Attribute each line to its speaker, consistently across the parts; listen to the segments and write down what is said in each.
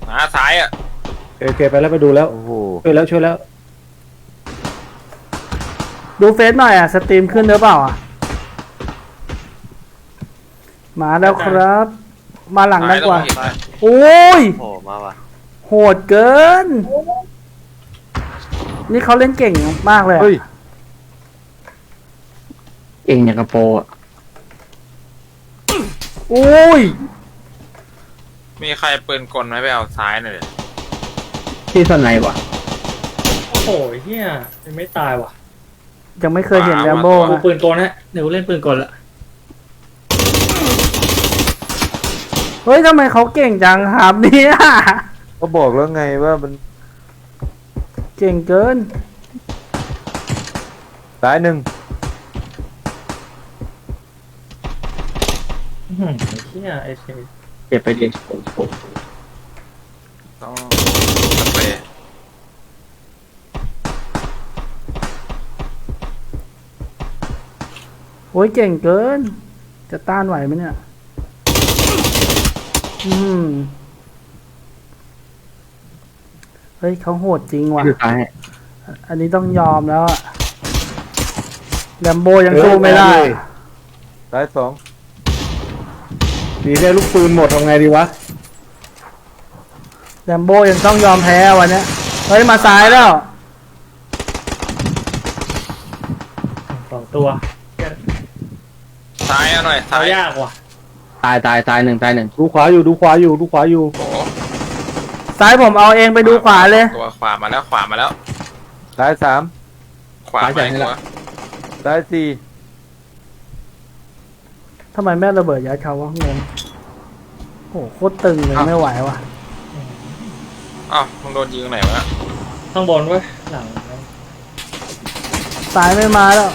Speaker 1: ซ้ายอ่ะ
Speaker 2: โอเคไปแล้วไปดูแล้ว
Speaker 3: โอ้โห
Speaker 2: ช่วยแล้ว
Speaker 4: ดูเฟซหน่อยอ่ะสตรีมขึ้นหรือเปล่าอ่ะมาแล้วครับ มาหลังด้านกว่าโอ้ย
Speaker 3: โอ้มาว่ะ
Speaker 4: โหดเกิน นี่เขาเล่นเก่งมากเลยอะ
Speaker 2: เฮ้ย
Speaker 5: เก่งอย่างกระโปรงอะ
Speaker 4: โอ้ย
Speaker 1: มีใครปืนกลไหมไปเอาซ้ายหน่อยดิ
Speaker 5: ที่สนไหนวะ
Speaker 6: โอ้โหเฮียยังไม่ตายว่ะ
Speaker 4: ยังไม่เคยเห็นแรมโบ้
Speaker 6: กู
Speaker 4: นะ
Speaker 6: ปืนกลนะเดี๋ยวกูเล่นปืนกลละ
Speaker 4: เฮ้ยทำไมเขาเก่งจังครับเนี่ย
Speaker 3: ก็บอกแล้วไงว่ามัน
Speaker 4: เก่งเกิน
Speaker 3: ซ้ายหนึ่ง
Speaker 6: เฮียไอ้เชี่ย
Speaker 5: เก็บไปดิ
Speaker 1: ต้องสเปรย์
Speaker 4: โอ้ยเก่งเกิน จะต้านไหวไหมเนี่ย เฮ้ยเขาโหดจริงว่ะ
Speaker 5: คือซ้าย
Speaker 4: อันนี้ต้องยอมแล้วอะแรมโบ้ยังสู้ไม่ได้
Speaker 3: ซ้ายสอง
Speaker 2: ดีได้ลูกปืนหมดทำไงดีวะ
Speaker 4: แรมโบ้ยังต้องยอมแพ้วันเนี้ยเฮ้ยมาซ้ายแล้ว
Speaker 6: 2 ตัว
Speaker 1: ซ้ายเอาหน่อยซ้า
Speaker 6: เอา
Speaker 1: ย
Speaker 6: ยากว่ะ
Speaker 5: ตายหนึ่ง
Speaker 2: ดูขวาอยู่ดูขวาอยู่
Speaker 1: โอ้โห
Speaker 4: ซ้ายผมเอาเองไปดูขวาเลย
Speaker 1: ตัวขวามาแล้วขวามาแล้ว
Speaker 3: ซ้ายสาม
Speaker 1: ขวามาอีกตัว
Speaker 3: ซ้ายสี่
Speaker 4: ทำไมแม่ระเบิดยัดเขาวะงงโอ้โหโคตรตึงเลยไม่ไหวว่ะ
Speaker 1: อ้าวมึงโดนยิงไหนวะ
Speaker 6: ข้างบนเว้ยหลัง
Speaker 4: ซ้ายไม่มาแล้ว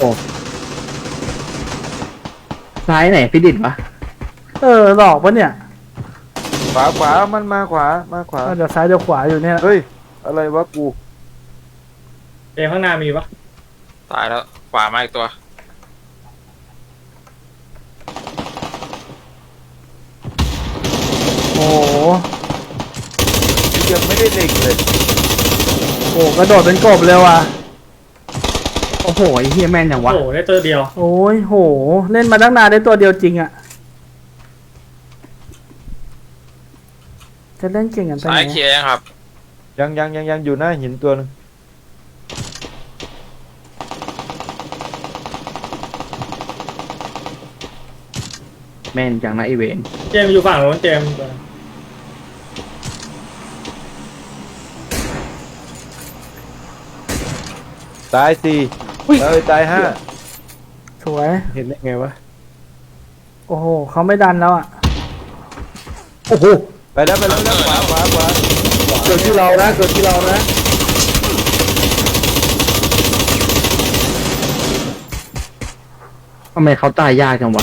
Speaker 5: ซ้ายไหนพี่ดิดวะ
Speaker 4: หลอกปะเนี่ย
Speaker 3: ขวามันมาขวา
Speaker 4: เดี๋ยวซ้ายเดี๋ยวขวาอยู่เนี่ย
Speaker 3: เฮ้ยอะไรวะกู
Speaker 6: เจมข้างหน้ามีปะ
Speaker 1: ตายแล้วขวามาอีกตัว
Speaker 4: โอ้โห
Speaker 3: ยังไม่ได้เล็งเลย
Speaker 4: โอ้กระโดดเป็นกบเลยว่ะ
Speaker 5: โอ้โหไอ้เฮียแม่นอย่างวะ
Speaker 6: โอ้โหได้ตัวเดียว
Speaker 4: โอ้ยโห เล่นมาตั้งนานได้ตัวเดียวจริงอะจะเล่นเก่งกันไป
Speaker 1: ซ้า
Speaker 4: ไหน
Speaker 1: ยเคลียร์ยังครับ
Speaker 3: ยังอยู่หน้าหินตัวนึง
Speaker 5: แม่นจังนะไอเวน
Speaker 6: เจมอยู่ฝั่งโน้นเจม
Speaker 3: ซ้ายสี่ซ้ายห้า
Speaker 4: สวย
Speaker 2: เห็นได้ไงวะ
Speaker 4: โอ้โหเขาไม่ดันแล้วอะ
Speaker 2: โอ้โห
Speaker 3: ไปแล้วขวา
Speaker 2: เกิดที่เรานะ
Speaker 5: ทำไมเขาตายยากจังวะ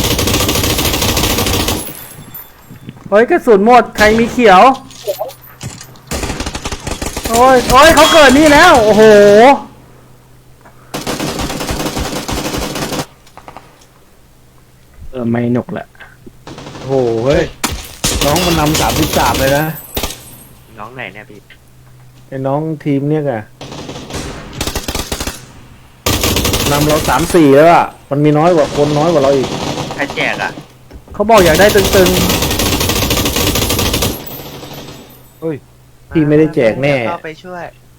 Speaker 4: เฮ้ยกระสุนหมดใครมีเขียว โอ้ยเขาเกิดนี่แล้ว โอ้โห
Speaker 5: ไม่หนุกแหละ
Speaker 2: โอ้โหเฮ้ยน้องมันนำ33เลยนะ
Speaker 5: น้องไหนเนี่ยพี่
Speaker 2: ไอ้น้องทีมเนี่ยไงนำเรา3-4แล้วอะมันมีน้อยกว่าคนน้อยกว่าเราอีก
Speaker 5: ใครแจกอ่ะ
Speaker 4: เขาบอกอยากได้ตึง
Speaker 2: พี่ไม่ได้แจกแน่
Speaker 5: เข้าไปช่วย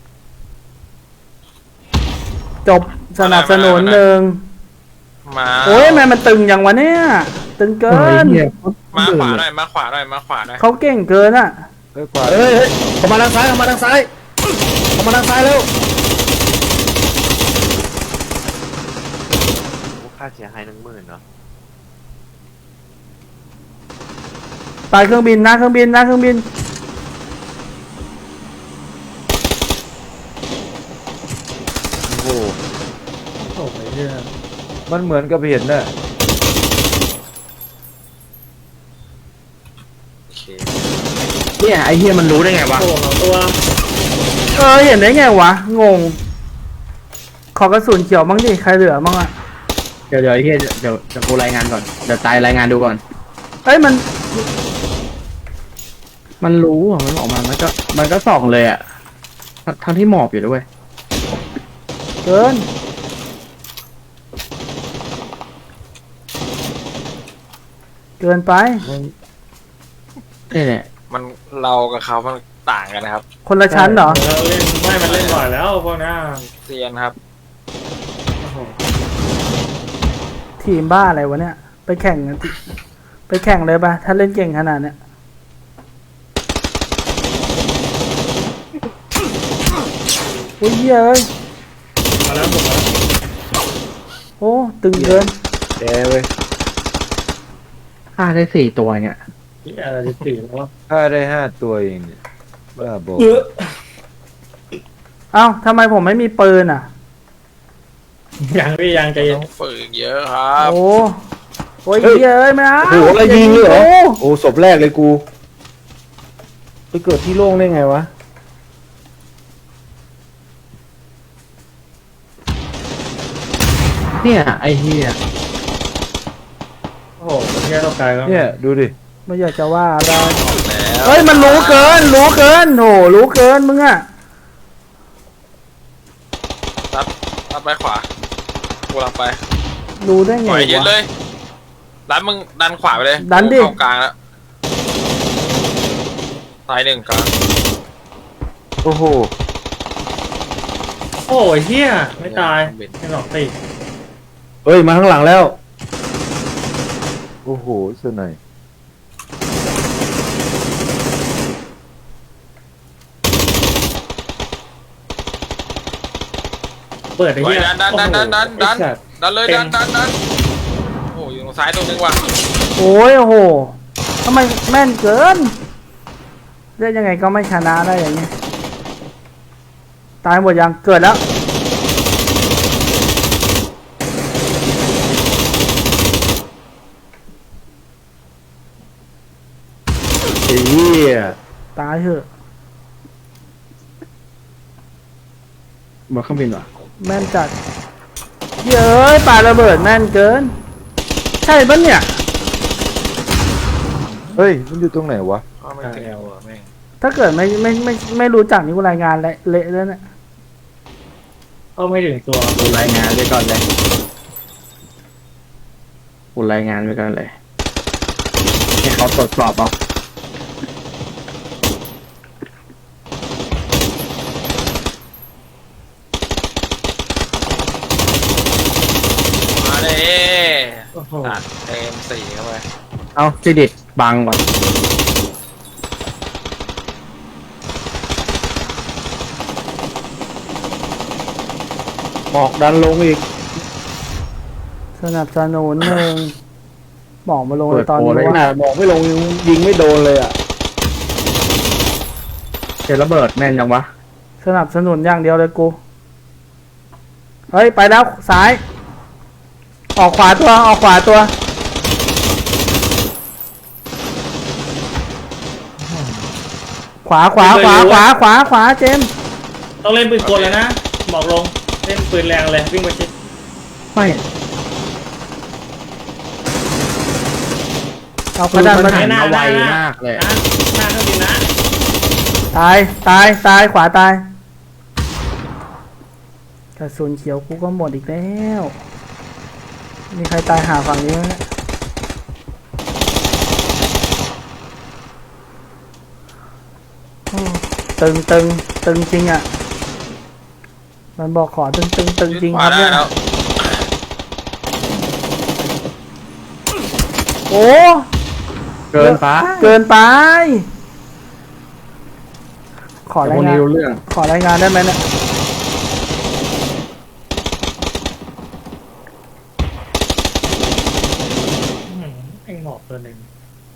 Speaker 4: ๆ จบสนับสนุนหนึ่ง
Speaker 1: มา
Speaker 4: โอ้ยทำไมมันตึงอย่างวะเนี่ย ตึงเกิน
Speaker 1: มาขวาหน่อยมาขวาหน่อย
Speaker 4: เขาเก่งเกินอะ
Speaker 3: ขวา
Speaker 2: เฮ้ยเขามาทางซ้ายแล้ว
Speaker 5: ค่าเสียหาย10,000เนาะ
Speaker 4: ตายเครื่องบินนะเครื่องบิน
Speaker 3: โอ้โห
Speaker 6: โอ้โหเฮีย
Speaker 3: มันเหมือนกับเห็นน่ะ
Speaker 1: โอเค
Speaker 5: เนี่ยไอเฮียมันรู้ได้ไงวะ
Speaker 6: โอ้โห2 ตัว
Speaker 4: เห็นได้ไงวะ งง ขอกระสุนเขียวบ้างดิ ใครเหลือบ้างอะ
Speaker 5: เดี๋ยวไอเฮียเดี๋ยวกูรายงานก่อน เดี๋ยวตายรายงานดูก่อน
Speaker 4: เอ้ยมันมันรู้อ่ะมันออกมามันก็ส่องเลยอ่ะทั้งที่หมอบอยู่ด้วยเกินไปนี่แหละ
Speaker 1: มันเรากับเขามันต่างกันนะครับ
Speaker 4: คนละชั้นเหรอ
Speaker 6: เราเล่นไม่มันเล่นบ่อยแล้วพวกนี้
Speaker 1: เซียนครับ
Speaker 6: โอ้โห
Speaker 4: ทีมบ้าอะไรวะเนี่ยไปแข่งกันไปแข่งเลยปะถ้าเล่นเก่งขนาดเนี้ยโอ้ยเอ้ย
Speaker 6: มาแล้วผมแล้ว
Speaker 4: โอ้ตึงเกิน
Speaker 3: แกเว้ย
Speaker 4: ฆ่าได้4 ตัวเนี่ย
Speaker 6: ที่อะไรจะตื่นแล้ว
Speaker 3: ฆ่าได้5 ตัวเองเนี่ยบ้าบอ
Speaker 4: เอ้าทำไมผมไม่มีปืนอ่ะ
Speaker 6: ยังพี่ยังใจเย็น
Speaker 1: ต้องฝึกเยอะครับ
Speaker 4: โอ้ยเอ้ยไม่เอา
Speaker 2: โอ้โหอะไรยิงเลยเหรอ
Speaker 4: โอ้
Speaker 2: โอ้ศพแรกเลยกูไปเกิดที่โล่งได้ไงวะ
Speaker 4: เนี่ยไอ้เหี้ย
Speaker 6: โอ้โหแค่ตกใจก็
Speaker 3: เนี่ยดูดิ
Speaker 4: ไม่อยากจะว่าอะไร
Speaker 1: แล้ว
Speaker 4: เฮ้ยมันรู้เกินโหรู้เกินมึงอ่ะ
Speaker 1: ตัดไปขวากูรับไป
Speaker 4: รู้ได้
Speaker 1: ป
Speaker 4: ไง
Speaker 1: ล่อยยืดเล
Speaker 4: วะ
Speaker 1: ยดันมึงดันขวาไปเลย
Speaker 4: ดันดิ
Speaker 1: เข้ากลางแล้วซ้าย1กลาง
Speaker 3: โอ้โห
Speaker 6: โอ้ยเฮียไม่ตายไม่หลอกตี
Speaker 2: เฮ้ยมาข้างหลังแล้ว
Speaker 3: โอ้โหสไนย
Speaker 6: เปิดไอ้
Speaker 1: ปล่อ
Speaker 6: เฮี
Speaker 1: ย
Speaker 6: ย
Speaker 1: ดันดันเลย
Speaker 6: เต็ม
Speaker 1: ดันโอ้ยอยู่ตรงซ้ายตัวนึงว่ะ
Speaker 4: โอ้โหทำไมแม่นเกินเล่นยังไงก็ไม่ชนะได้อย่างเงี้ยตายหมดยังเกิดแล้ว
Speaker 2: ไอ้เหี้ย
Speaker 4: ตายเถอะ
Speaker 5: บนเครื่องบินวะ
Speaker 4: แม่นจัดเย้ยปาระเบิดแม่นเกิน ใช่ปะเนี่ย
Speaker 3: เฮ้ยมันอยู่ตรงไหนวะ
Speaker 1: เข้าไม่ถึงหัวแม่ง
Speaker 4: ถ้าเกิดไม่รู้จักนี่กูรายงานเละแล้วเนี่ย
Speaker 6: เข้าไม่ถึงตัว
Speaker 5: กูรายงานไว้ก่อนเลยกูรายงานไว้ก่อนเลยให้เขาตรวจสอบเอา
Speaker 1: มาเลย
Speaker 6: โอ้โห
Speaker 1: ตัดเต็ม4เข้าไป
Speaker 5: เอาจิดิตบังก่อน
Speaker 2: หมอกดันลงอีก
Speaker 4: สนับสนุนหนึ่งบอกมาลงในตอนนี้
Speaker 2: ข
Speaker 4: ว่า
Speaker 2: นาดหมอกไม่ลงยิงไม่โดนเลยอ่ะ
Speaker 5: เจอระเบิดแม่นยังวะ
Speaker 4: สนับสนุนอย่างเดียวเลยกู เฮ้ย ไปแล้วซ้าย ออกขวาตัว ขวาเจมส์
Speaker 6: ต้องเล่นปืนกลแล้วนะบอกลงเล่นปืนแรงเลยวิ่งไปชิด
Speaker 5: ไม่
Speaker 4: เอากระดานมา
Speaker 5: หันมาไวมากเลย
Speaker 6: นะหน้าเครื่องบินนะ
Speaker 4: ตายขวาตายกระสุนเขียวกูก็หมดอีกแล้ว มีใครตายหาฝั่งนี้ไหมเนี่ยโอ้ตึงจริงอ่ะ มันบอกขอตึงจริง
Speaker 1: ข
Speaker 4: คว
Speaker 1: า
Speaker 4: รับ
Speaker 1: ได้
Speaker 4: เนี่ย
Speaker 1: แล้ว
Speaker 4: โอ้
Speaker 5: เกินไป
Speaker 4: ขอ
Speaker 5: แต่
Speaker 4: รา
Speaker 5: พ
Speaker 4: ยว
Speaker 5: ก
Speaker 4: งา
Speaker 5: นี้
Speaker 4: น
Speaker 5: รู้เรื่อง
Speaker 4: ขอรายงานได้ไหมเนี่ย
Speaker 6: ไอ้หมอบตัวหนึ่ง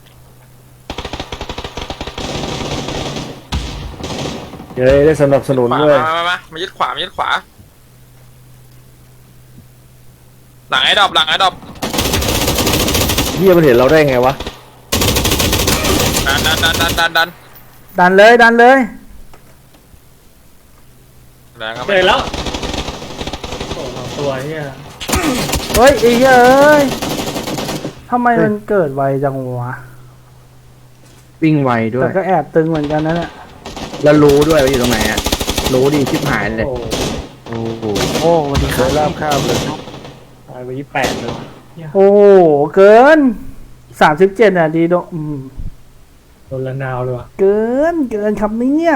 Speaker 2: เย้ได้สนับสนุน
Speaker 1: ขวา
Speaker 2: ด้วย
Speaker 1: มายึดขวาหลังไอ้ดอบ
Speaker 2: เหี้ยมันเห็นเราได้ไงวะ
Speaker 1: ดัน
Speaker 4: ดันเลย
Speaker 1: แรงก็
Speaker 6: เจ
Speaker 1: ไม่
Speaker 6: อแล้วโอ้โหตัวเฮีย
Speaker 4: เฮ้ยไอ้เหี้ยเอ้ยทำไมมันเกิดไวจังวะ
Speaker 5: วิ่งไวด้ว
Speaker 4: แต่
Speaker 5: ย
Speaker 4: ก็แอบตึงเหมือนกันนะเนี่ย
Speaker 5: แล้วรู้ด้วยว่าอยู่ตรงไหนอ่ะรู้ดีชิบหายเลย
Speaker 6: โอ้
Speaker 3: โอ้โห
Speaker 5: โอ้วันนี้ค
Speaker 3: เค
Speaker 5: รับ
Speaker 3: ยลาบข้ามเลย
Speaker 6: ตายไป28เลย
Speaker 4: โอ้โหเกิน37อ่ะดีโด
Speaker 6: โดนละนาวเลยว่ะ
Speaker 4: เกินครับเนี่ย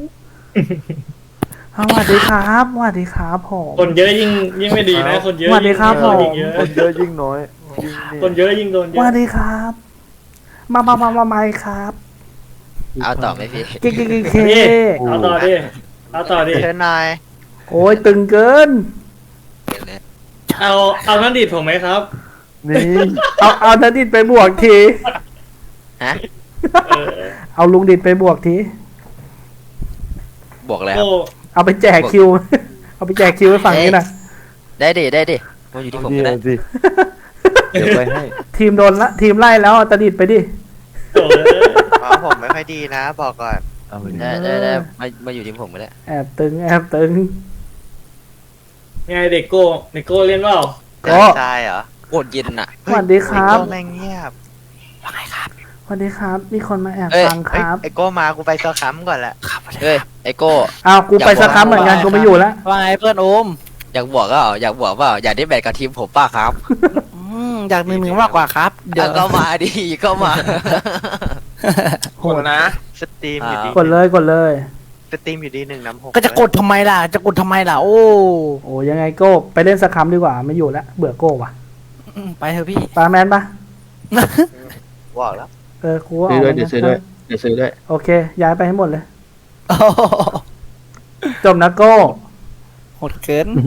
Speaker 4: สวัสดีครับสวัสดีครับผม
Speaker 6: คนเยอะยิ่งไม่ดีนะ คนเยอะ
Speaker 4: สวัสดีครับ
Speaker 6: ยิ่งเยอะ
Speaker 3: คนเยอะยิ่งน้อยยิ่งนี่
Speaker 6: คนเยอะยิ่งโดนเย
Speaker 4: สวั
Speaker 6: อะ
Speaker 4: สดีครับ มาครับ
Speaker 7: เอาต่อไหมพี่
Speaker 4: เกเค
Speaker 6: นี่เอาต่อดิเอาต่อดิ
Speaker 7: เชิญนาย
Speaker 4: โอ้ยตึงเกิน
Speaker 6: เอาท่านดิดผมไหมครับ
Speaker 3: นี่
Speaker 4: เอานัดดิดไปบวกที
Speaker 7: ฮะ
Speaker 6: เออ
Speaker 4: เอาลุงดิดไปบวกที
Speaker 7: บอกแล้ว
Speaker 6: โอ้
Speaker 4: เอาไปแจกคิว เอาไปแจกคิวให้ฝั่งนี้หนะ
Speaker 7: ได้ดิมาอยู่ที่ผม
Speaker 3: นี่
Speaker 7: ก็ได้
Speaker 3: สิเดี๋ยวไปให้
Speaker 4: ทีมโดนละทีมไล่แล้วเอาตะดิดไปดิ
Speaker 6: โห
Speaker 7: อ๋อผมไม่ค่อยดีนะ บอกก่อน
Speaker 3: เอาไปดิ
Speaker 7: ได้มาอยู่ที่ผมก็ได้
Speaker 4: แอบตึง
Speaker 6: ไงเด็กโก้เล่นเปล่า
Speaker 4: โอ้
Speaker 7: ใช่เหรอโกรธเย็นอ่ะ
Speaker 4: สวัสดีครับ
Speaker 7: ไอ้โก้แม่งเงียบว่าไงครับ
Speaker 4: สวัสดีครับ มีคนมาแอบ
Speaker 7: เอ้ย
Speaker 4: ฟังครับ
Speaker 7: ไอ้โก้มากูไปซอคัมก่อนละเฮ้ยไอ้โก้
Speaker 4: อ้าวกูไปสักครั้งเหมือนกันกูไม่อยู่แล้ว
Speaker 5: ว่าไงเพื่อนโอม
Speaker 7: อยากบวกก็อยากบวกเปล่าอยากได้แบตกับทีมผมป้าครับ
Speaker 5: อยากหนึ่งมากกว่าครับ เดี๋ยว
Speaker 7: ก็มาดิก็มา
Speaker 1: โหดนะ
Speaker 7: สตรีมอยู่ดี
Speaker 4: กดเลย
Speaker 7: สตรีมอยู่ดี1-6
Speaker 5: ก็จะกดทำไมล่ะ จะกดทำไมล่ะ โอ้
Speaker 4: โอ้ยังไงโก้ไปเล่นสักครั้งดีกว่าไม่อยู่แล้วเบื่อโก้ว่ะ
Speaker 5: ไปเถอะพี่
Speaker 4: ปาแมนปะ
Speaker 7: บอกแล้ว
Speaker 4: กูว่า
Speaker 5: ซื้อด้วย
Speaker 4: ก
Speaker 5: เดี๋ยวซื้อด้วยเดี๋ยวซื้อด้วย
Speaker 4: โอเค ย้ายไปให้หมดเลย จบนะโก้
Speaker 5: โหดเกิน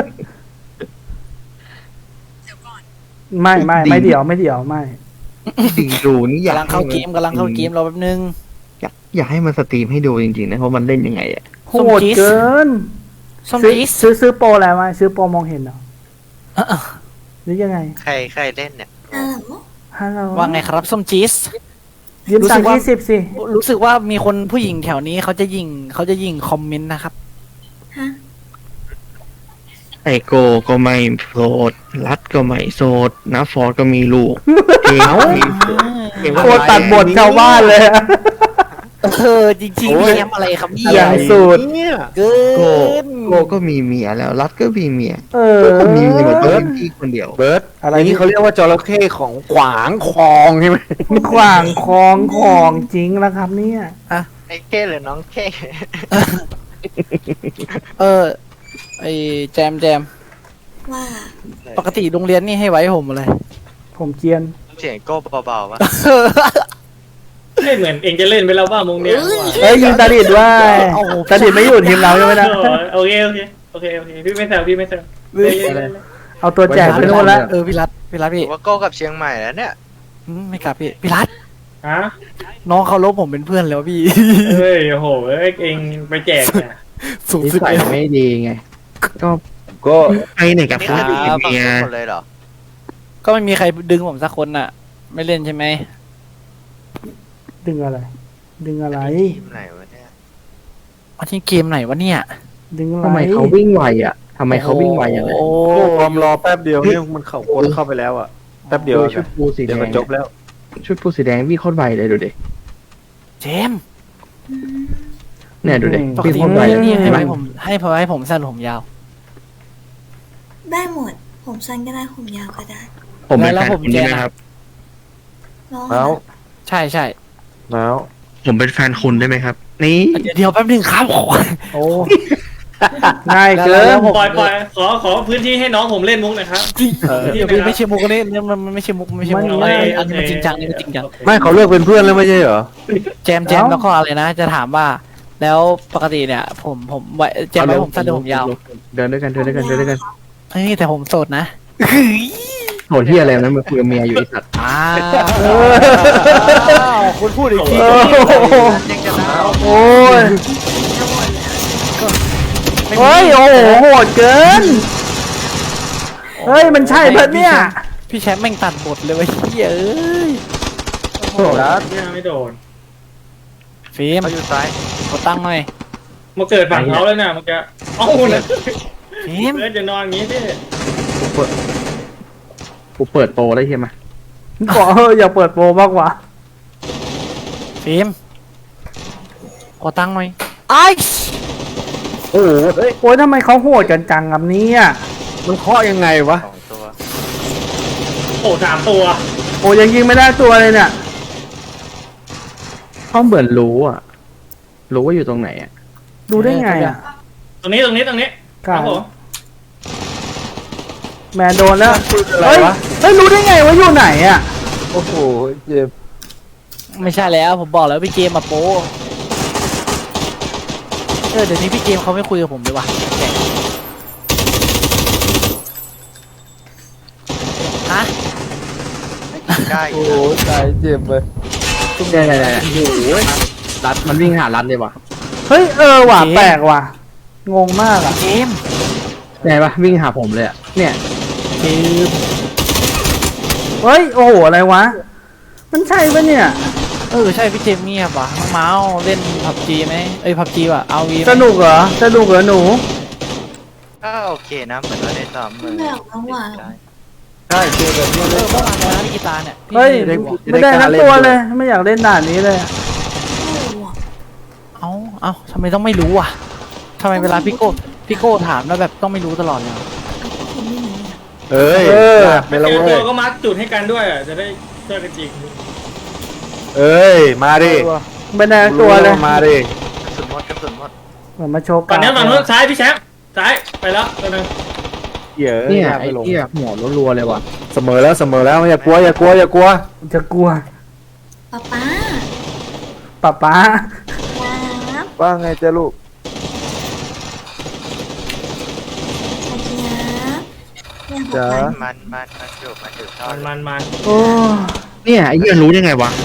Speaker 4: ไม่เดี๋ยวไม่
Speaker 8: จริงดูนี่อยาก
Speaker 5: กำลังเข้าเกมรอแป๊บนึง
Speaker 8: อยากให้มันสตรีมให้ดูจริงๆนะเพราะมันเล่นยังไงอ่ะ
Speaker 4: โหดเกิน
Speaker 5: ส้ม
Speaker 4: ซื้อ
Speaker 5: จีส
Speaker 4: ซื้อโปรอะไรมาซื้อโปรมองเห็นเหรอหรือยังไง
Speaker 7: ใครเล่นเนี่ย
Speaker 4: ฮัลโหล
Speaker 5: ว่าไงครับส้มจีส
Speaker 4: ยืมตังค์20สิ
Speaker 5: รู้สึกว่ามีคนผู้หญิงแถวนี้เขาจะยิงคอมเมนต์นะครับ
Speaker 8: ไอโกก็ไม่โสดรัดก็ไม่โสดนะฟอร์ดก็มีลูกเองเอง
Speaker 4: โคตรตัดบทชาวบ้านเลยอะ
Speaker 5: จริงๆเกมอะไรครับเนี่
Speaker 4: อย่างสุด
Speaker 5: เกิ
Speaker 8: โกก็มีเมียแล้วรัดก็มีเมีย
Speaker 2: ก็มีเมียหมด
Speaker 8: เบิ
Speaker 2: เบิ
Speaker 8: ร์
Speaker 2: ร์
Speaker 8: ด
Speaker 2: ด
Speaker 8: พี่คนเดียว
Speaker 2: เบิร์ด
Speaker 4: อะไร
Speaker 2: อย่างนี้เขาเรียกว่าจระเข้ของขวางคลองใช่ไหม
Speaker 4: ขวางของจริงแล้วครับเนี่ย
Speaker 7: ไอ้เก้หรือน้องเก้
Speaker 5: ไอแจม
Speaker 9: ว่า
Speaker 5: ปกติโรงเรียนนี่ให้ไว้ผมอะไร
Speaker 4: ผมเกรียน
Speaker 7: เสียงโก้เบาๆวะ
Speaker 6: ไม่เหมือนเองจะเล่นไปแล้วบ้างมุงเนี้ย
Speaker 4: เอ้ยยิงตาดิดว่าตาดิดไม่อยู่ทีมเราใช่ไหมนะ
Speaker 6: โอเคพี่ไม่แซวเล่น
Speaker 4: เอาตัวแจกไปโน่นละ
Speaker 5: พี่รัฐพี่
Speaker 7: ว่าโก้กับเชียงใหม่แล้วเนี่ย
Speaker 5: ไม่กลับพี่รัฐ
Speaker 6: ฮะ
Speaker 5: น้องเขาลบผมเป็นเพื่อนแล้วพี่
Speaker 6: เฮ้ยโอ้โหเองไปแจกเนี่ย
Speaker 5: สูง
Speaker 2: นิ
Speaker 5: สุด
Speaker 2: สัย
Speaker 5: เลย
Speaker 2: ไม่ดีไง
Speaker 3: ก็
Speaker 8: ไปไหนกับ
Speaker 7: นี่
Speaker 8: คน
Speaker 7: คือ
Speaker 8: อื่น
Speaker 7: ฝั่ง
Speaker 8: เมีย
Speaker 7: ทุกคนเลยเหรอ
Speaker 5: ก็ไม่มีใครดึงผมสักคนน่ะ ไม่เล่นใช่ไหม
Speaker 4: ดึงอะไร ดึงอะไร
Speaker 7: ทีมไหนวะเนี่ย
Speaker 5: วันที่เกมไหนวะเนี่ย
Speaker 4: ดึงอะไร
Speaker 2: ทำไมเขาวิ่งไวอ่ะทำไมเขาวิ่งไวอย่างนั้น
Speaker 5: โอ้
Speaker 3: ความรอแป๊บเดียวเนี่ยมันเข้าคนเข้าไปแล้วอ่ะแป๊บเดียว
Speaker 8: ชุดปูสีแด
Speaker 3: เดี๋ยว
Speaker 8: ง
Speaker 3: มันจบแล้ว
Speaker 8: ชุดปูสีแดงวิ่งโคตรไวเลยดูดิ
Speaker 5: เจมส์
Speaker 8: เนี่ยดูดิ
Speaker 5: ปก
Speaker 8: วิ่ง
Speaker 5: ติ
Speaker 8: โคตรไว
Speaker 5: นี่ให้ผมสั้นผมยาว
Speaker 9: ได้หมด ผมสั้นก็ได้ผมยาวก็ได้
Speaker 8: ผมเป็น
Speaker 5: แล้ว
Speaker 8: แฟน
Speaker 5: ผม
Speaker 8: คุณใช่ไหม
Speaker 5: แจก
Speaker 8: ครับ
Speaker 9: น้อง
Speaker 3: แล้ว
Speaker 5: ใช่
Speaker 3: แล้ว
Speaker 8: ผมเป็นแฟนคุณได้ไหมครับ นี่
Speaker 5: เดี๋ยวแป๊บนึงครับขอ
Speaker 4: โอ้ง่ายเกิน
Speaker 6: ปล่อยขอพื้นที่ให้น้องผมเล่นมุกหน่อยครับ
Speaker 5: ไม่ใช่มุกนี่มันไม่ใช่มุกไม่ใช่มุก
Speaker 4: มัน
Speaker 5: อันนี้มันจริงจังนี่มันจริงจัง
Speaker 2: ไม่เขาเลิกเป็นเพื่อนแล้วไม่ใช่เหรอ
Speaker 5: แจมแล้วก็อะไรนะ จะถามว่า แล้วปกติเนี่ย ผมไว้แจมไว้ผมสั้นหรือผมยาว
Speaker 2: เดินด้วยกัน
Speaker 5: เฮ้ยแต่ผมโสดนะ
Speaker 2: โหดที่อะไรนะมันคุยกับเมียอยู่ไอสัตว์
Speaker 5: คุณพูดอีกที
Speaker 7: ยังจะนะ
Speaker 4: โอ้ยเฮ้ยโอ้โหโหดเกิน เฮ้ยมันใช่เพิ่นเนี่ย
Speaker 5: พี่แชมป์แม่งตัดบทเลยเว้ยเฮ้ย
Speaker 6: โอ้โหเนี่ยไม่โดน
Speaker 5: ฟิล์ม
Speaker 7: เขาอยู่ซ้าย
Speaker 5: กดตั้งหน่อย
Speaker 6: มาเกิดฝั่งเขาแล้วนะเมื่อกี้เอ้านะ
Speaker 5: ฟิล์ม
Speaker 6: เพื่อนจะนอนอย่างนี้ดิ
Speaker 2: กูเปิดโปรได้ใช่ไหม
Speaker 4: ขออย่าเปิดโปรมากกว่า
Speaker 5: ฟิฟิล์มขอตังค์หน่อยไอ้
Speaker 2: โอ้โหเฮ้ย
Speaker 4: โอ้ยทำไมเขาโหดกันจังกับนี้อ่ะ
Speaker 2: มันเคาะยังไงวะ
Speaker 7: 2 ตัว
Speaker 6: โอ้3 ตัว
Speaker 4: โอ้ยังยิงไม่ได้ตัวเลยเนี่ย
Speaker 2: เขาเหมือนรู้อ่ะ รู้ว่าอยู่ตรงไหนอ่ะ
Speaker 4: ดูได้ไงอ่ะ
Speaker 6: ตรงนี้ ครับผม
Speaker 4: แมนโดนแล้ว
Speaker 2: อะไร
Speaker 4: เฮ้ยว
Speaker 2: ะ
Speaker 4: เฮ้ยรู้ได้ไงว่าอยู่ไหนอ่ะ
Speaker 2: โอ้โหเจ็บ
Speaker 5: ไม่ใช่แล้วผมบอกแล้วพี่เจมมาโป้เดี๋ยวนี้พี่เจมเขาไม่คุยกับผมเลยว่ะแปลกฮะ
Speaker 7: ได้
Speaker 2: โอ้โหตายเจ็บเลยได้โอ้โหรัดมันวิ่งหารัดเลยว่ะ
Speaker 4: เฮ้ยว่ะแปลกว่ะงงมากอ่ะ
Speaker 5: เจม
Speaker 2: ไงปะวิ่งหาผมเลยอ่ะ เนี่ย
Speaker 5: เจม
Speaker 4: เฮ้ยโอ้โหอะไรวะมันใช่ปะเนี่ย
Speaker 5: ใช่พี่เจมเงียบว่ะน้องเมาส์เล่นผับจีไหมผับจีว่ะเอาวี
Speaker 4: สนุกเหรอหนู
Speaker 7: ก็โอเคนะเหมือนว่าได้ซ้อมมือ
Speaker 9: ไม่ออกน้องหวาน
Speaker 7: ได้
Speaker 2: ใช่เจอแบบนี้เลย
Speaker 5: เมื่อวานเลยนะพี่กีตาร์เนี่ยพี่
Speaker 4: เฮ้ย
Speaker 5: ได้บอก
Speaker 4: ไม่ได้ทั้งตัวเลยไม่อยากเล่นด่านนี้เลย
Speaker 5: เอ้าทำไมต้องไม่รู้อ่ะทำไมเวลาพี่โก้ถามแล้วแบบต้องไม่รู้ตลอดเลย
Speaker 2: เอ้ยไม่
Speaker 6: ไม่
Speaker 2: ละ
Speaker 6: เจอ
Speaker 2: เว้
Speaker 6: ตั
Speaker 2: ยว
Speaker 6: ก็มาร์กจุดให้กันด้วยจะได้ช่วยกันจริง
Speaker 2: เอ้ย มาดิ
Speaker 4: ไม่ได้ทั้งตัวเลย
Speaker 2: มาดิ
Speaker 7: กระสุนหมด
Speaker 4: เหมือนมาโชว์
Speaker 6: ฝั่งนี้ฝั่งนู้นซ้ายพี่แชมป์ซ้ายไปแล้วตัวนึง
Speaker 2: เนี่ยไอ้เหี้ยหัวรัวๆเลยว่ะ เสมอแล้วอย่ากลัว
Speaker 4: จะกลัว
Speaker 9: ป๊าป๊า
Speaker 4: ป๊า
Speaker 9: ครับ
Speaker 3: ว่าไงจ๊ะลูก
Speaker 9: สวัสดีครับเนี่ยหก
Speaker 3: จ๊ะ
Speaker 9: วัน
Speaker 7: มันอยู่ท่อ
Speaker 6: มัน
Speaker 4: โอ้
Speaker 8: เนี่ยไอ้เหี้ยรู้ได้ไงวะ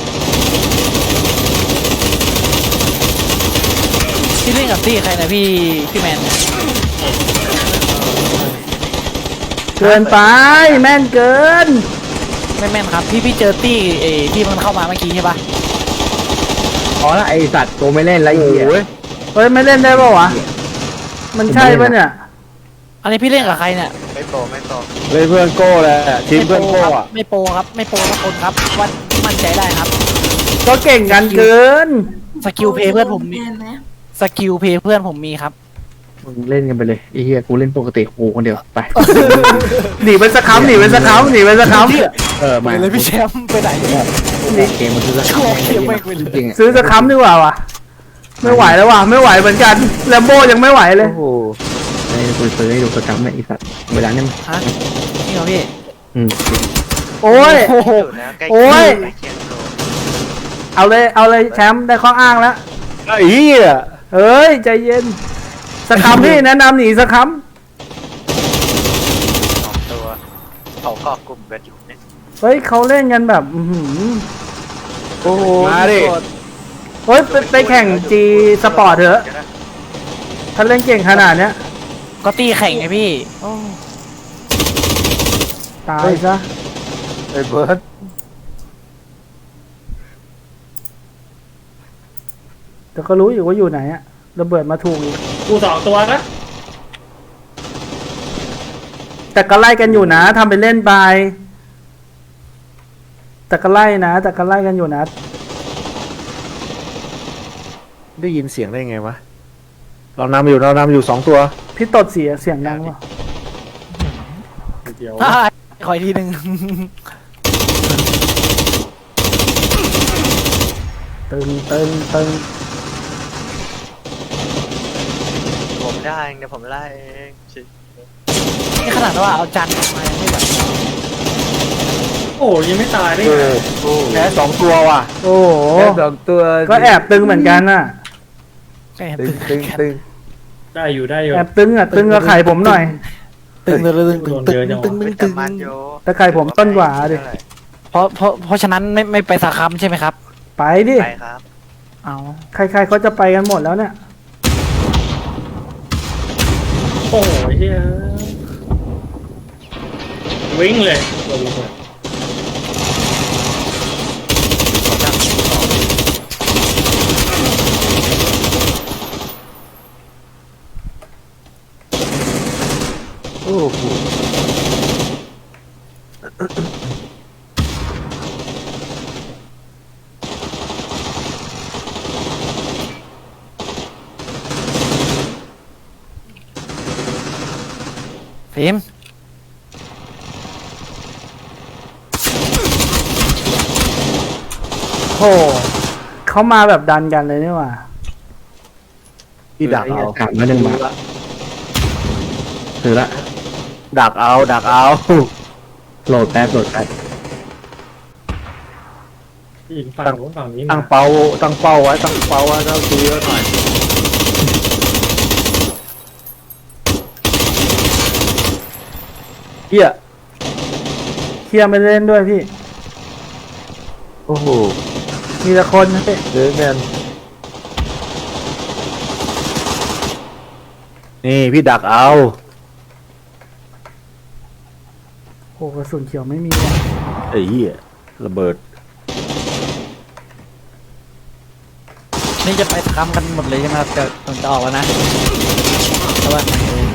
Speaker 5: พี่เล่นกับตี้ใครนะพี่แมน
Speaker 4: เกินไปแม่นเกิน
Speaker 5: ไม่แม่นครับพี่เจอตี้ที่มันเข้ามาเมื่อกี้ใช่ปะ
Speaker 2: อ๋อแล้วไอ้สัตว์ตัวไม่เล่นไรเหี้ย
Speaker 4: เฮ้ยไม่เล่นได้ป่าวะมันใช่ปะเนี่ย
Speaker 5: อันนี้พี่เล่นกับใครเนี่ย
Speaker 7: ไม่โปร
Speaker 2: เลยเพื่อนโก้แหละทีมเพื่อนโก้อะ
Speaker 5: ไม่โปรครับไม่โปรทุกคนครับวันมั่นใจได้ครับ
Speaker 4: ก็เก่งกันเกิน
Speaker 5: สกิลเพย์เพื่อนผมมี
Speaker 9: แไหม
Speaker 5: สกิลเพย์เพื่อนผมมีครับ
Speaker 2: มึงเล่นกันไปเลยไอ้เหี้ยกูเล่นปกติกูคนเดียวไป
Speaker 4: หนีไปสักคำ
Speaker 2: มา
Speaker 5: เลยพี่แชมป์ไปไหน
Speaker 2: เกมมันคือสักคำจริงๆ
Speaker 4: ซื้อสักคำดีกว่าวะไม่ไหวแล้วว่ะไม่ไหวเหมือนกันแลมโบยังไม่ไหวเลย
Speaker 3: โอ้โห
Speaker 2: ไอ้กูซื้อให้ดูสักคำเนี่ยไอ้สัตว์เวลาเนี่ย
Speaker 5: ฮะนี่เหรอพี่
Speaker 4: โอ้ย
Speaker 7: อยู่นะใกล้
Speaker 4: โอ้ย
Speaker 7: ใกล้เคียงโล
Speaker 4: เอาเลยแชมป์ได้ข้ออ้างแล้ว
Speaker 2: ไอ้เหี้ย
Speaker 4: เอ้ยใจเย็นสักคำพี่แนะนำหนีสักค
Speaker 7: 2 ตัวเขาเกาะกลุ่มกันอยู่เนี่ย
Speaker 4: ำเฮ้ยเขาเล่นกันแบบโอ้โห
Speaker 2: มาดิ
Speaker 4: เฮ้ยไปแข่งจีสปอร์ตเถอะถ้าเล่นเก่งขนาดเนี้ย
Speaker 5: ก็ตีแข่งไงพี่
Speaker 4: ตายซะ
Speaker 3: ไอ้เบิร์ด
Speaker 4: แต่ก็รู้อยู่ว่าอยู่ไหนอะระเบิดมาถูกอีก
Speaker 6: กู2 ตัวนะ
Speaker 4: แต่ก็ไล่กันอยู่นะทำไปเล่นไปแต่ก็ไล่กันอยู่นะ
Speaker 3: ได้ยินเสียงได้ไงวะ
Speaker 2: เรานำอยู่2 ตัว
Speaker 4: พี่ตดเสียงดังวะ
Speaker 6: เดี๋ยว
Speaker 5: ขออีกทีหนึ่ง
Speaker 4: ตึง
Speaker 7: ผมได้เดี๋ยวผมไล่เองชิ
Speaker 5: นี่ขนาดว่าเอาจานมายังไม่ไหว
Speaker 6: โอ้ยังไม่ตายได้ไง
Speaker 2: แค่2 ตัวว่ะ
Speaker 4: โอ้โห
Speaker 3: แค่2 ตัว
Speaker 4: ก็แอบตึงเหมือนกันน่ะ
Speaker 5: แม่ง
Speaker 3: ตึง
Speaker 5: ตึง
Speaker 6: ได้อยู่
Speaker 4: แอบตึงกับไข่ผมหน่อย
Speaker 5: ตึงตึง
Speaker 7: แต่มันโย
Speaker 4: แต่ไข่ผมต้นกว่าดิ
Speaker 5: เพราะฉะนั้นไม่ไปสาคัมใช่ไหมครับ
Speaker 4: ไปดิ
Speaker 7: ไปครับ
Speaker 5: เอา
Speaker 4: ใครๆเขาจะไปกันหมดแล้วเนี่ย
Speaker 6: โอ้โหเฮียวิ่งเลย
Speaker 3: โอ้โห
Speaker 5: ฟิล์ม
Speaker 4: โหเขามาแบบดันกันเลยนี่หว่า
Speaker 3: พี่ดักเอา
Speaker 2: ถามมาหนึ่งบาทถือละ
Speaker 3: ดักเอาดักเอา
Speaker 2: โหลดแป๊บโหลดแป๊บ
Speaker 6: อีกฝั่งนู้นฝั่งนี้
Speaker 3: ตั้
Speaker 6: มาง
Speaker 3: เป้าตั้งเป้าไว้ตั้งเป้าไว้ต้องดูเยอะหน่อยเฮีย
Speaker 4: เคลียร์ไม่เล่นด้วยพี่
Speaker 3: โอ้โห
Speaker 4: มีแต่คนนะพี่
Speaker 3: เดแมนนี่พี่ดักเอา
Speaker 4: โหกระสุนเขียวไม่มีว่ะ
Speaker 3: ไอ้เหี้ยระเบิด
Speaker 5: นี่จะไปทำกันหมดเลยใช่ไหมครับจะออกแล้วนะเพราะว่า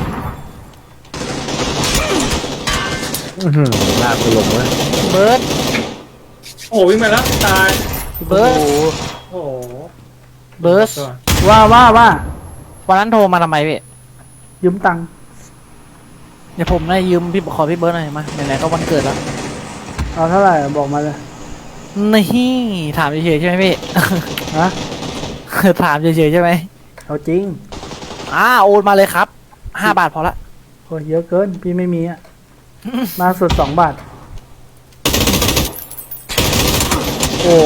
Speaker 3: ลากไปลงเลย
Speaker 5: เบิร์ด
Speaker 6: โอ้โหวิ่งมาแล้วตาย
Speaker 5: เบิร์ด
Speaker 6: โอ้โห
Speaker 5: เบิร์ด
Speaker 4: ว่า
Speaker 5: วันนั้นโทรมาทำไมพี่
Speaker 4: ยืมตังค์
Speaker 5: เดี๋ยวผมได้ยืมพี่ขอพี่เบิร์ดหน่อยมาไหนๆก็วันเกิดแล้ว
Speaker 4: เอาเท่าไหร่บอกมาเลย
Speaker 5: นี่ถามเฉยๆใช่ไหมพี่
Speaker 4: ฮะ
Speaker 5: ถามเฉยๆใช่ไหม
Speaker 4: เอาจริง
Speaker 5: โอนมาเลยครับ5 บาทพอละ
Speaker 4: โอ้ยเยอะเกินพี่ไม่มีอ่ะ มาสุด2 บาท โอ้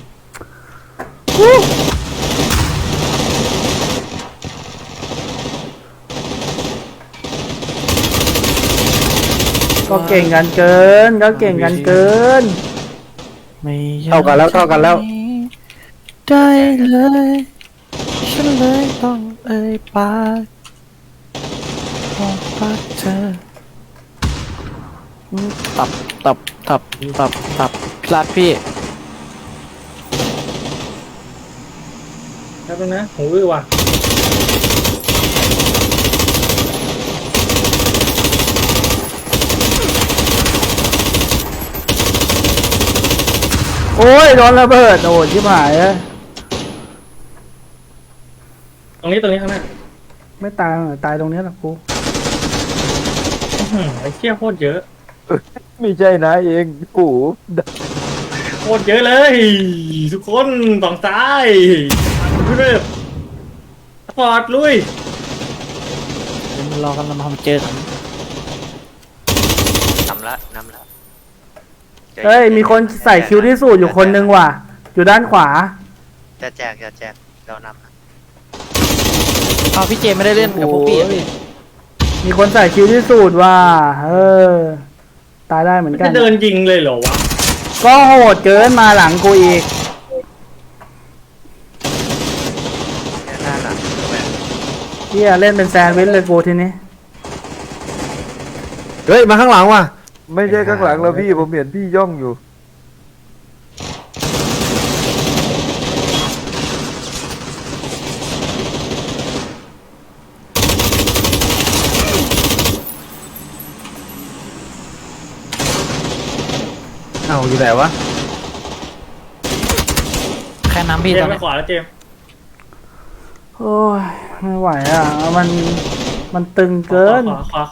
Speaker 4: ก็เก่งกันเกิน ก็เก่งกันเกิน
Speaker 5: ไม่อย
Speaker 3: เท่ากันแล้วเท่ากันแล้ว
Speaker 5: ได้เลยฉันเลยต้องเอ่ยปากบอกรักเธอตับพลาดพี่
Speaker 6: แป๊บนึงนะหูอื้อว่ะ
Speaker 4: โอ้ยโดนระเบิด โอ้ยชิบหายเลย
Speaker 6: ตรงนี้ข้างหน้า
Speaker 4: ไม่ตายหรอกตายตรงนี้แหละกู
Speaker 6: ไอ้เชี่ยโคตรเยอะ
Speaker 3: ไม่ใช่นะเองกู
Speaker 6: โคตรเยอะเลย ทุกคนฝั่งซ้ายเพื่อนปอดลุย
Speaker 5: เดี๋ยวรอกันมาเจอกัน
Speaker 7: นำละ
Speaker 4: เฮ้ย มีคนใส่คิวที่สูตรอยู่คนนึงว่ะ อยู่ด้านขวา
Speaker 7: จะแจกเรานำนะ
Speaker 5: เอาพี่เจไม่ได้เล่นกับพวกพี่อะพี่
Speaker 4: มีคนใส่คิวที่สูตรว่ะ ตายได้เหมือนกั
Speaker 6: จะ
Speaker 4: น
Speaker 6: เดินยิงเลยเหรอวะ
Speaker 4: ก็โหดเกินมาหลังกูอีก
Speaker 7: เนี่ยหน้าหลังแม่ง
Speaker 4: เฮียเล่นเป็นแซนด์วิชเลยกูทีนี้
Speaker 3: เฮ้ยมาข้างหลังว่ะไม่ใช่ข้างหลังแล้วพี่ผมเห็นพี่ย่องอยู่เอาอยู่ไหนวะ
Speaker 5: แค่น้ำพี่
Speaker 6: เจ
Speaker 5: ตอ
Speaker 6: ม
Speaker 5: น
Speaker 6: ไป
Speaker 5: นี้
Speaker 6: ขวาแล้วเจม
Speaker 4: โอ้ย ไม่ไหวอ่ะ มันตึงเกิน
Speaker 6: ขวา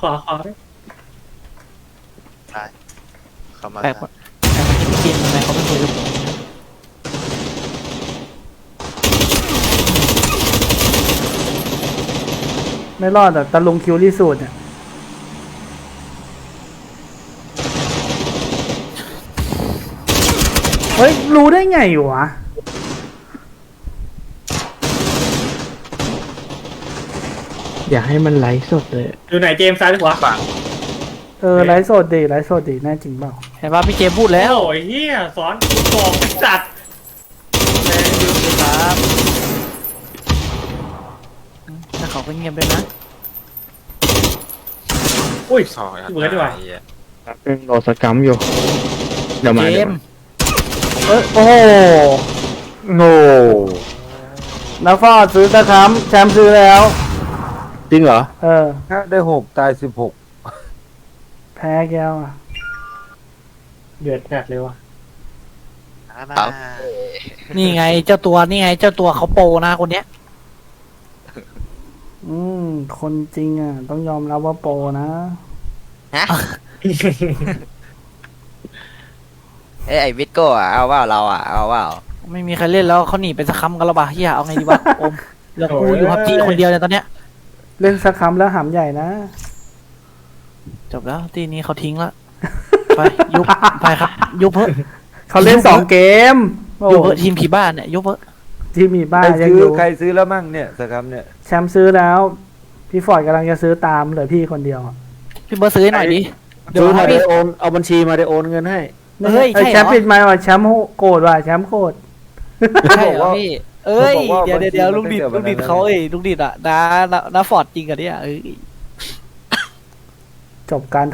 Speaker 7: เข้ามา
Speaker 5: แปลกว่าพี่เจทำไมเขาไม่คุยกับผม
Speaker 4: ไม่รอดอ่ะตะลุงคิวที่สูตรเนี่ย เฮ้ย รู้ได้ไงวะ
Speaker 2: อย่าให้มันไลฟ์สดเลย
Speaker 6: อยู่ไหนเจมซ้ายหรือขวา
Speaker 1: ฝั่ง
Speaker 4: ไลฟ์สดดิไลฟ์สดดิแน่จริงเปล่า
Speaker 5: เห็นว่าพี่เจพูดแล้ว
Speaker 6: โอ้ยเฮียสอนบอกจัด
Speaker 5: แรงอยู่ครับแต่เขาก็เงียบเลยนะ
Speaker 6: อุ้ย
Speaker 1: ซอย
Speaker 6: เบิร์ดดีกว่า
Speaker 1: ไอ้เหี้ย
Speaker 8: เป็นโหลดสกรรมอยู่ เดี๋ยวมา
Speaker 5: เจ
Speaker 8: เดี๋ยว
Speaker 5: ม
Speaker 8: มา
Speaker 4: โอ้โห
Speaker 3: โง่
Speaker 4: นักฟอดซื้อตะค้ำแชมป์ซื้อแล้ว
Speaker 3: จริงเหรอ
Speaker 4: อ
Speaker 3: ได้6ตาย16
Speaker 4: แพ้แก้วอ่ะ
Speaker 6: เดือดจัดเลยว่ะ
Speaker 7: มา
Speaker 5: นี่ไงเจ้าตัวเขาโปรนะคนเนี้ย
Speaker 4: คนจริงอ่ะ ต้องยอมรับว่าโปรนะ
Speaker 7: ไอ้วิทโก้อะเอาว่าเราอะเอาว่า
Speaker 5: ไม่มีใครเล่นแล้วเขาหนีไปสักคำกันแล้วป่ะเฮียเอาไงดีวะโอมเหลือกูอยู่พับจีคนเดียวเนี่ยตอนเนี้ย
Speaker 4: เล่นสักคำแล้วหำใหญ่นะ
Speaker 5: จบแล้วทีนี้เขาทิ้งละไปยุบไปครับยุบเพิ่
Speaker 4: เขาเล่น2 เกมโอ้
Speaker 5: ยุบเพิ่ทีมผีบ้านเนี่ยยุบเพิ่
Speaker 4: ที่มีบ้าน
Speaker 3: ใคร
Speaker 4: ยัง
Speaker 3: ซื้
Speaker 4: อ
Speaker 3: อยู่ ใครซื้อแล้วมั่งเนี่ยสครับเนี่ย
Speaker 4: แชมป์ซื้อแล้ว พี่ฟอร์ดกำลังจะซื้อตามเหลือพี่คนเดียวอะ
Speaker 5: พี่เบิร์ดซื้อให้หน่อยดิเดี๋ยว
Speaker 3: ซื้อมา
Speaker 5: ให้
Speaker 3: ได้
Speaker 5: พี่
Speaker 3: โอนเอาบัญชีมาได้โอนเงินให้
Speaker 5: เฮ้ยใช่เหรอ
Speaker 4: แชมป์ปิดไมค์ว่ะแชมป์โกรธว่ะแชมป์โกรธ
Speaker 5: ใช่เหรอพี่เอ้ย
Speaker 3: เขาบอกว่า
Speaker 5: เดี๋ยว
Speaker 3: บางที
Speaker 5: เดี๋ยว
Speaker 3: มัน
Speaker 5: ลูกดิด
Speaker 3: ตั้งแต่
Speaker 5: ลูกดิด
Speaker 3: วันนั้น
Speaker 5: เขาลูกดิดอ่ะน้าฟอร์ดจริงกันเนี่ยเอ้ย
Speaker 4: จบการ